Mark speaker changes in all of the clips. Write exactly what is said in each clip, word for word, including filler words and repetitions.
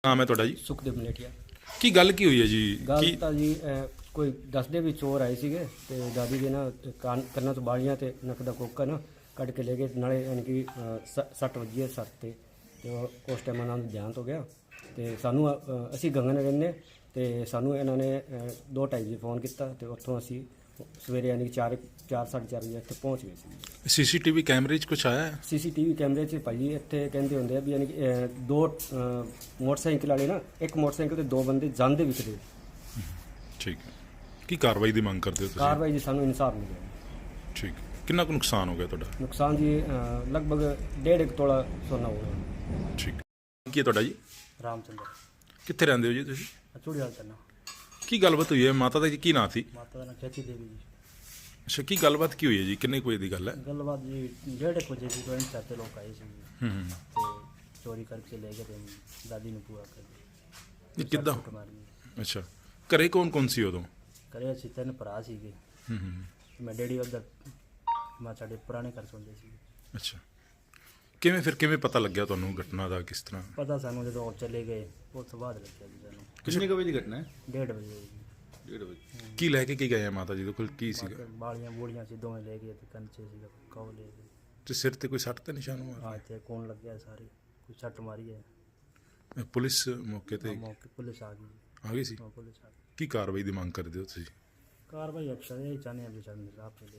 Speaker 1: ਨਾਮ ਹੈ ਤੁਹਾਡਾ ਜੀ?
Speaker 2: ਸੁਖਦੇਵ ਮਲੇਠੀਆ।
Speaker 1: ਕੀ ਗੱਲ ਕੀ ਹੋਈ ਹੈ ਜੀ?
Speaker 2: ਗੱਲ
Speaker 1: ਕੀ
Speaker 2: ਤਾਂ ਜੀ ਅਹ, ਕੋਈ ਦੱਸਦੇ ਵੀ ਚੋਰ ਆਏ ਸੀਗੇ ਤੇ ਦਾਦੀ ਦੇ ਨਾ ਕੰਨ ਕੰਨਾਂ ਤੋਂ ਬਾਲੀਆਂ ਤੇ ਨੱਕ ਦਾ ਕੋਕਾ ਨਾ ਕੱਢ ਕੇ ਲੈ ਗਏ। ਨਾਲੇ ਯਾਨੀ ਕਿ ਅਹ, ਸ- ਸੱਟ ਵੱਜੀ ਹੈ ਸੱਟ ਤੇ ਤੇ ਉਹ- ਉਸ ਟਾਈਮ ਉਹਨਾਂ ਨੂੰ ਦੇਹਾਂਤ ਹੋ ਗਿਆ। ਤੇ ਸਾਨੂੰ ਅਹ, ਅਸੀਂ ਗੰਗਨ ਰਹਿੰਦੇ ਤੇ ਸਾਨੂੰ ਇਹਨਾਂ ਨੇ ਅਹ, ਦੋ ਢਾਈ ਵਜੇ ਫੋਨ ਕੀਤਾ ਤੇ ਉੱਥੋਂ ਅਸੀਂ ਸਵੇਰੇ ਯਾਨੀ ਕਿ ਚਾਰ ਚਾਰ ਸਾਢੇ ਚਾਰ ਵਜੇ ਇੱਥੇ ਪਹੁੰਚ ਗਏ ਸੀ।
Speaker 1: ਸੀਸੀਟੀਵੀ ਕੈਮਰੇ 'ਚ ਕੁਛ ਆਇਆ ਹੈ?
Speaker 2: ਸੀਸੀਟੀਵੀ ਕੈਮਰੇ 'ਚ ਭਾਜੀ ਇੱਥੇ ਕਹਿੰਦੇ ਹੁੰਦੇ ਆ ਵੀ ਯਾਨੀ ਕਿ ਅਹ, ਦੋ ਅਹ, ਮੋਟਰਸਾਈਕਲ ਵਾਲੇ ਨਾ ਇੱਕ ਮੋਟਰਸਾਈਕਲ ਤੇ ਦੋ ਬੰਦੇ ਜਾਂਦੇ ਵਿਚਦੇ।
Speaker 1: ਠੀਕ ਹੈ। ਕੀ ਕਾਰਵਾਈ ਦੀ ਮੰਗ ਕਰਦੇ ਹੋ ਤੁਸੀਂ?
Speaker 2: ਕਾਰਵਾਈ ਜੀ ਸਾਨੂੰ ਇਨਸਾਫ ਮਿਲਿਆ।
Speaker 1: ਠੀਕ। ਕਿੰਨਾ ਕੁ ਨੁਕਸਾਨ ਹੋ ਗਿਆ ਤੁਹਾਡਾ?
Speaker 2: ਨੁਕਸਾਨ ਜੀ ਅਹ, ਲਗਭਗ ਡੇਢ ਇੱਕ ਤੋਲਾ ਸੋਨਾ ਹੋ ਗਿਆ।
Speaker 1: ਠੀਕ। ਕੀ ਹੈ ਤੁਹਾਡਾ ਜੀ?
Speaker 2: ਰਾਮਚੰਦਰ
Speaker 1: ਕਿੱਥੇ ਰਹਿੰਦੇ ਹੋ ਜੀ ਤੁਸੀਂ?
Speaker 2: ਚੂੜੀ ਹਾਲ ਤਨਾ
Speaker 1: ਕੀ ਗੱਲਬਾਤ ਹੋਈ ਹੈ? ਮਾਤਾ ਦਾ ਕੀ ਨਾਂ ਸੀ?
Speaker 2: ਮਾਤਾ ਦਾ ਨਾਂ ਖੇਤੀ ਦੇਵੀ ਜੀ।
Speaker 1: ਅੱਛਾ, ਕੀ ਗੱਲਬਾਤ ਕੀ ਹੋਈ ਹੈ ਜੀ? ਕਿੰਨੇ ਕੁ ਵਜੇ ਦੀ ਗੱਲ ਹੈ?
Speaker 2: ਗੱਲਬਾਤ ਜੀ ਡੇਢ ਇੱਕ ਵਜੇ ਦੀ ਕੋਈ ਚਾਚੇ ਲੋਕ ਆਏ ਸੀ
Speaker 1: ਹੂੰ ਹੂੰ।
Speaker 2: ਤੇ ਚੋਰੀ ਕਰਕੇ ਲੈ ਗਏ ਤੇ ਦਾਦੀ ਨੂੰ ਪੂਰਾ ਕਰ
Speaker 1: ਇਹ ਕਿੱਦਾਂ?
Speaker 2: ਦਿੱਤਾ ਮਾਰੀ।
Speaker 1: ਅੱਛਾ, ਘਰੇ ਕੌਣ ਕੌਣ ਸੀ ਉਦੋਂ?
Speaker 2: ਕਰੇ ਅਸੀਂ ਤਿੰਨ ਭਰਾ ਸੀਗੇ।
Speaker 1: ਹੂੰ ਹੂੰ।
Speaker 2: ਮੈਂ ਡੈਡੀ ਉੱਧਰ ਮੈਂ ਸਾਡੇ ਪੁਰਾਣੇ ਘਰ ਸੌਂਦੇ ਸੀ।
Speaker 1: ਅੱਛਾ, ਕਿਵੇਂ ਫਿਰ ਕਿਵੇਂ ਪਤਾ ਲੱਗਿਆ ਤੁਹਾਨੂੰ ਘਟਨਾ ਦਾ? ਕਿਸ ਤਰ੍ਹਾਂ?
Speaker 2: ਪਤਾ ਸਾਨੂੰ ਜਦੋਂ ਉਹ ਚਲੇ ਗਏ ਉਸ ਤੋਂ ਬਾਅਦ ਲੱਗਿਆ ਜੀ ਸਾਨੂੰ।
Speaker 3: ਕਿੰਨੇ ਕੁ ਵਜੇ ਦੀ ਘਟਨਾ ਹੈ?
Speaker 2: ਡੇਢ ਵਜੇ ਜੀ।
Speaker 3: ਡੇਢ ਵਜੇ।
Speaker 1: ਕੀ ਲੈ ਕੇ ਕੀ ਗਏ ਆ ਮਾਤਾ ਜੀ ਦੇ ਕੋਲ? ਕੀ ਸੀਗਾ?
Speaker 2: ਬਾਕੀ ਬਾਲੀਆਂ ਬੂੜੀਆਂ ਸੀ ਦੋਵੇਂ ਲੈ ਗਏ ਤੇ ਕੰਚੇ ਸੀਗਾ ਕੌ ਲੈ ਗਏ।
Speaker 1: ਤੇ ਸਿਰ ਤੇ ਕੋਈ ਸੱਟ ਤੇ ਨਿਸ਼ਾਨ ਹੋਇਆ?
Speaker 2: ਹਾਂ ਇੱਥੇ ਕੌਣ ਲੱਗਿਆ ਸਾਰੇ ਕੋਈ ਛੱਟ ਮਾਰੀ ਹੈ।
Speaker 1: ਪੁਲਿਸ ਮੌਕੇ ਤੇ
Speaker 2: ਮੌਕੇ ਪੁਲਿਸ ਆ ਗਈ।
Speaker 1: ਆ ਗਈ ਸੀ?
Speaker 2: ਹਾਂ, ਪੁਲਿਸ ਆ ਗਈ।
Speaker 1: ਕੀ ਕਾਰਵਾਈ ਦੀ ਮੰਗ ਕਰਦੇ ਹੋ ਤੁਸੀਂ?
Speaker 2: ਕਾਰਵਾਈ ਅਕਸਰ ਇਹ ਚਾਹੁੰਦੇ ਆ ਵੀ ਸਾਨੂੰ ਇਨਸਾਫ ਮਿਲੇ।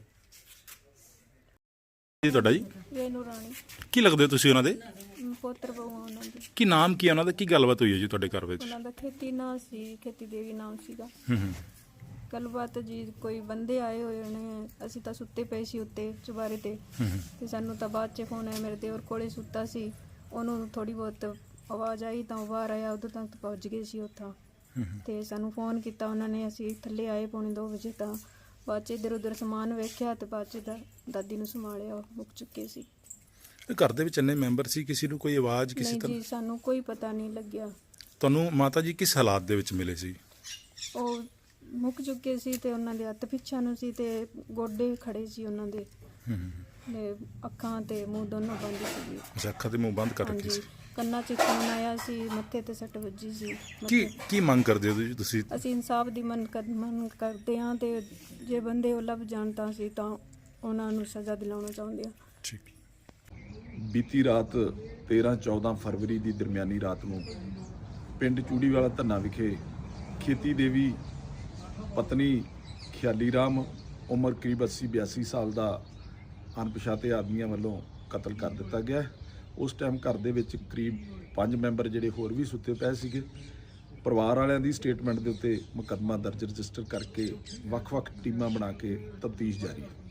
Speaker 1: ਜੀ ਤੁਹਾਡਾ ਜੀ?
Speaker 4: ਰੇਨੂ ਰਾਣੀ
Speaker 1: ਕੀ ਲੱਗਦੇ ਹੋ ਤੁਸੀਂ ਉਹਨਾਂ ਦੇ?
Speaker 4: ਪੁੱਤਰ ਬਹੂ ਆ ਉਹਨਾਂ ਦੀ।
Speaker 1: ਕੀ ਨਾਮ ਕੀ ਹੈ ਉਹਨਾਂ ਦਾ? ਕੀ ਗੱਲਬਾਤ ਹੋਈ ਹੈ ਜੀ ਤੁਹਾਡੇ ਘਰ ਵਿੱਚ?
Speaker 4: ਉਹਨਾਂ ਦਾ ਖੇਤੀ ਨਾਂ ਸੀ, ਖੇਤੀ ਦੇਵੀ ਨਾਮ ਸੀਗਾ।
Speaker 1: ਹੂੰ ਹੂੰ।
Speaker 4: ਗੱਲਬਾਤ ਜੀ ਕੋਈ ਬੰਦੇ ਆਏ ਹੋਏ ਨੇ, ਅਸੀਂ ਤਾਂ ਸੁੱਤੇ ਪਏ ਸੀ ਉੱਤੇ ਚੁਬਾਰੇ ਤੇ
Speaker 1: ਹੂੰ ਹੂੰ।
Speaker 4: ਤੇ ਸਾਨੂੰ ਤਾਂ ਬਾਅਦ 'ਚ ਫੋਨ ਆਇਆ, ਮੇਰੇ ਦੇਵਰ ਕੋਲੇ ਸੁੱਤਾ ਸੀ, ਉਹਨੂੰ ਥੋੜੀ ਬਹੁਤ ਆਵਾਜ਼ ਆਈ ਤਾਂ ਉਹ ਬਾਹਰ ਆਇਆ, ਉਦੋਂ ਤੱਕ ਪਹੁੰਚ ਗਏ ਸੀ ਉੱਥਾਂ।
Speaker 1: ਹੂੰ ਹੂੰ।
Speaker 4: ਤੇ ਸਾਨੂੰ ਫੋਨ ਕੀਤਾ ਉਹਨਾਂ ਨੇ, ਅਸੀਂ ਥੱਲੇ ਆਏ ਪੌਣੇ ਦੋ ਵਜੇ ਤਾਂ ਬਾਅਦ 'ਚ ਇੱਧਰ ਉੱਧਰ ਸਮਾਨ ਵੇਖਿਆ ਤੇ ਬਾਅਦ 'ਚ ਦਾ ਦਾਦੀ ਨੂੰ ਸੰਭਾਲਿਆ, ਉਹ ਮੁੱਕ ਚੁੱਕੇ ਸੀ।
Speaker 1: ਇਹ ਘਰ ਦੇ ਵਿੱਚ ਇੰਨੇ ਮੈਂਬਰ ਸੀ, ਕਿਸੇ ਨੂੰ ਕੋਈ ਆਵਾਜ਼ ਕਿਸੇ
Speaker 4: ਨਹੀਂ
Speaker 1: ਤਰ੍ਹਾਂ?
Speaker 4: ਜੀ ਸਾਨੂੰ ਕੋਈ ਪਤਾ ਨਹੀਂ ਲੱਗਿਆ।
Speaker 1: ਤੁਹਾਨੂੰ ਮਾਤਾ ਜੀ ਕਿਸ ਹਾਲਾਤ ਦੇ ਵਿੱਚ ਮਿਲੇ ਸੀ?
Speaker 4: ਉਹ ਮੁੱਕ ਚੁੱਕੇ ਸੀ ਤੇ ਉਹਨਾਂ ਦੇ ਹੱਥ ਪਿੱਛਾ ਨੂੰ ਸੀ ਤੇ ਗੋਡੇ ਖੜੇ ਸੀ ਉਹਨਾਂ ਦੇ
Speaker 1: ਹੂੰ ਹੂੰ।
Speaker 4: ਤੇ ਅੱਖਾਂ ਤੇ ਮੂੰਹ ਦੋਨੋਂ ਬੰਦ ਸੀ।
Speaker 1: ਅੱਛਾ, ਅੱਖਾਂ ਤੇ ਮੂੰਹ ਬੰਦ ਕਰ ਰੱਖੇ
Speaker 4: ਹਾਂਜੀ,
Speaker 1: ਸੀ।
Speaker 4: ਕੰਨਾਂ 'ਚ ਖੂਨ ਆਇਆ ਸੀ, ਮੱਥੇ ਤੇ ਸੱਟ ਵੱਜੀ ਸੀ।
Speaker 1: ਕੀ
Speaker 4: ਮੱਥੇ-
Speaker 1: ਕੀ ਮੰਗ ਕਰਦੇ ਹੋ ਜੀ ਤੁਸੀਂ?
Speaker 4: ਅਸੀਂ ਇਨਸਾਫ ਦੀ ਮੰਗ ਕਰ ਮੰਗ ਕਰਦੇ ਹਾਂ ਤੇ ਜੇ ਬੰਦੇ ਉਹ ਲੱਭ ਜਾਣ ਤਾਂ ਅਸੀਂ ਤਾਂ ਉਹਨਾਂ ਨੂੰ ਸਜ਼ਾ ਦਿਲਾਉਣਾ ਚਾਹੁੰਦੇ ਹਾਂ।
Speaker 1: ਠੀਕ।
Speaker 3: ਬੀਤੀ ਰਾਤ ਤੇਰਾਂ ਚੌਦਾਂ ਫਰਵਰੀ ਦੀ ਦਰਮਿਆਨੀ ਰਾਤ ਨੂੰ ਪਿੰਡ ਚੂੜੀਵਾਲਾ ਧੰਨਾ ਵਿਖੇ ਖੇਤੀ ਦੇਵੀ ਪਤਨੀ ਖਿਆਲੀ ਰਾਮ ਉਮਰ ਕਰੀਬ ਅੱਸੀ ਬਿਆਸੀ ਸਾਲ ਦਾ ਅਣਪਛਾਤੇ ਆਦਮੀਆਂ ਵੱਲੋਂ ਕਤਲ ਕਰ ਦਿੱਤਾ ਗਿਆ। ਉਸ ਟਾਈਮ ਘਰ ਦੇ ਵਿੱਚ ਕਰੀਬ ਪੰਜ ਮੈਂਬਰ ਜਿਹੜੇ ਹੋਰ ਵੀ ਸੁੱਤੇ ਪਏ ਸੀਗੇ। ਪਰਿਵਾਰ ਵਾਲਿਆਂ ਦੀ ਸਟੇਟਮੈਂਟ ਦੇ ਉੱਤੇ ਮੁਕੱਦਮਾ ਦਰਜ ਰਜਿਸਟਰ ਕਰਕੇ ਵੱਖ-ਵੱਖ ਟੀਮਾਂ ਬਣਾ ਕੇ ਤਫਤੀਸ਼ ਜਾਰੀ ਹੈ।